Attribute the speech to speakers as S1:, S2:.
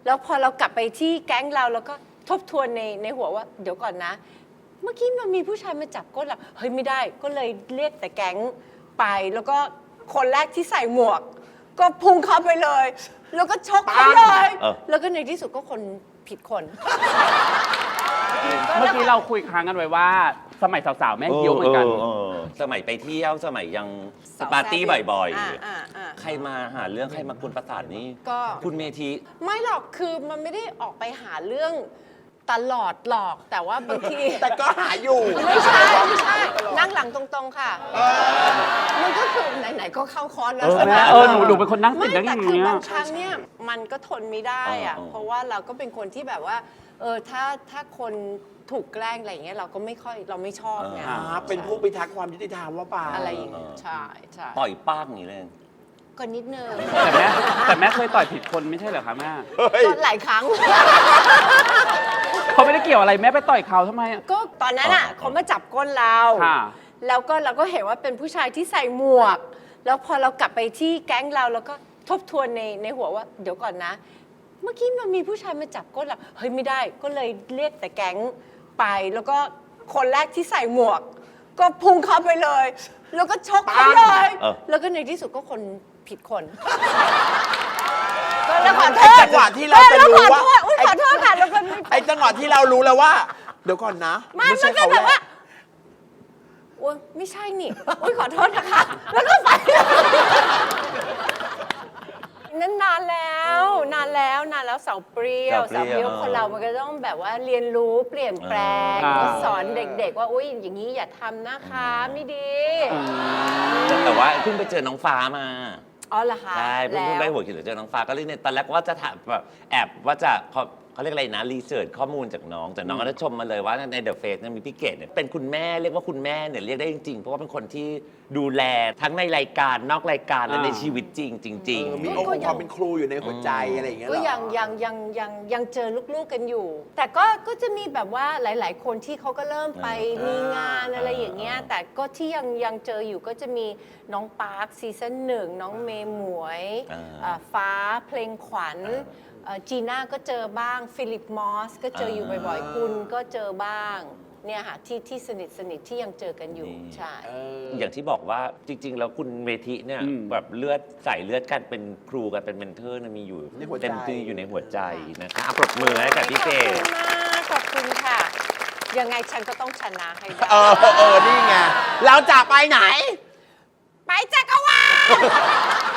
S1: แล้วพอเรากลับไปที่แก๊งเราแล้วก็ทบทวนในหัวว่าเดี๋ยวก่อนนะ เมื่อกี้มันมีผู้ชายมาจับก้นเราเฮ้ยไม่ได้ก็เลยเรียกแต่แก๊งไปแล้วก็คนแรกที่ใส่หมวก ก็พุ่งเข้าไปเลย แล้วก็ชกเขาเลยแล้วก็ในที่สุดก็คนผิดคน
S2: เมื่อกี้เราคุยค้างกันไว้ว่าสมัยสาวๆแม่เยี่ยวเหมือนกัน
S3: สมัยไปเที่ยวสมัยยังปาร์ตี้บ่อยๆใครมาหาเรื่องใครมากวนประสาทนี่
S1: ก็
S3: คุณเมธี
S1: ไม่หรอกคือมันไม่ได้ออกไปหาเรื่องตลอดหรอกแต่ว่าบางที
S4: แต่ก็หาอยู่
S1: ไม่ใช่นั่งหลังตรงๆค่ะมันก็คือไหนๆก็เข้าคอร์สแล้วใช่ไหม
S2: หนูเป็นคนนั่งติดนั่งอย่าง
S1: เงี้
S2: ย
S1: บางครั้งเนี่ยมันก็ทนไม่ได้อะเพราะว่าเราก็เป็นคนที่แบบว่าถ้าคนถูกแกล้งอะไรอย่างเงี้ยเราก็ไม่ค่อยเราไม่ชอบไง
S4: เป็นผู้พิทักษ์ความยุติธรรมว่าป่า
S1: อะไรอย่างเงี้ยใช่
S3: ต่อยป้างอย่างนี้เลย
S1: ก็นิดนึง
S2: แต่แม่เคยต่อยผิดคนไม่ใช่เหรอคะแม่
S1: ก็หลายครั้ง
S2: เขาไม่ได้เกี่ยวอะไรแม่ไปต่อยเขาทำไม
S1: ก็ตอนนั้นอ่ะเขามาจับก้นเราแล้วก็เราก็เห็นว่าเป็นผู้ชายที่ใส่หมวกแล้วพอเรากลับไปที่แก๊งเราแล้วก็ทบทวนในหัวว่าเดี๋ยวก่อนนะเมื่อกี้มันมีผู้ชายมาจับก้นเราเฮ้ยไม่ได้ก็เลยเรียกแต่แก๊งไปแล้วก็คนแรกที่ใส่หมวก ก็พุ่งเข้าไปเลย แล้วก็ชกเขาเลยแล้วก็ในที่สุดก็คนผิดคนก็แล้วขอโทษ
S4: จังหวะที่เราจะรู้ว่า
S1: ขอโทษค่ะแล้วก็
S4: ไอ้จังหวะที่เรารู้แล้วว่าเดี๋ยวก่อนนะ
S1: ไม่ใช่เขาแบบว่าโอ้ยไม่ใช่นี่อุ้ยขอโทษนะคะแล้วก็ไปนั่นนานแล้วสาวเปรี้ยวคนเรามันก็ต้องแบบว่าเรียนรู้เปลี่ยนแปลงสอนเด็กๆว่าอุ้ยอย่างนี้อย่าทำนะคะไม่ดี
S3: แต่ว่าเพิ่งไปเจอน้องฟ้ามา
S1: อ๋อเหรอคะ
S3: ใช่เพิ่งไปหัวหินเจอน้องฟ้าก็เลยเนี่ยตอนแรกว่าจะถามแบบแอบว่าจะเขาเรียกอะไรนะรีเสิร์ชข้อมูลจากน้องแต่น้องก็ได้ชมมาเลยว่าในเดอะเฟซมีพี่เกดเนี่ยเป็นคุณแม่เรียกว่าคุณแม่เนี่ยเรียกได้จริงๆเพราะว่าเป็นคนที่ดูแลทั้งในรายการนอกรายการและในชีวิตจริง
S4: มีองค์ความเป็นครูอยู่ในหัวใจอะไรอย่างเงี้ย
S1: ก็ยังเจอลูกๆกันอยู่ แต่ก็จะมีแบบว่าหลายๆคนที่เขาก็เริ่มไปมีงานอะไรอย่างเงี้ยแต่ก็ที่ยังเจออยู่ก็จะมีน้องปาร์คซีซั่น1น้องเมย์หมวยฟ้าเพลงขวัญจีน่าก็เจอบ้างฟิลิปมอสก็เจออยู่บ่อยๆคุณก็เจอบ้างเนี่ยค่ะที่สนิทที่ยังเจอกันอยู่ใช่
S3: อย่างที่บอกว่าจริงๆแล้วคุณเมธิเนี่ยแบบเลือดใส่เลือดกันเป็นครูกันเป็นเมนเทอร์มีอยู่เต็มที่อยู่ในหัวใจนะคะปรบมือให้กับพี่เกด
S1: ขอบคุณค่ะยังไงฉันก็ต้องชนะให้ได้
S4: นี่ไงเราจะไปไหน
S1: ไปจักรวาล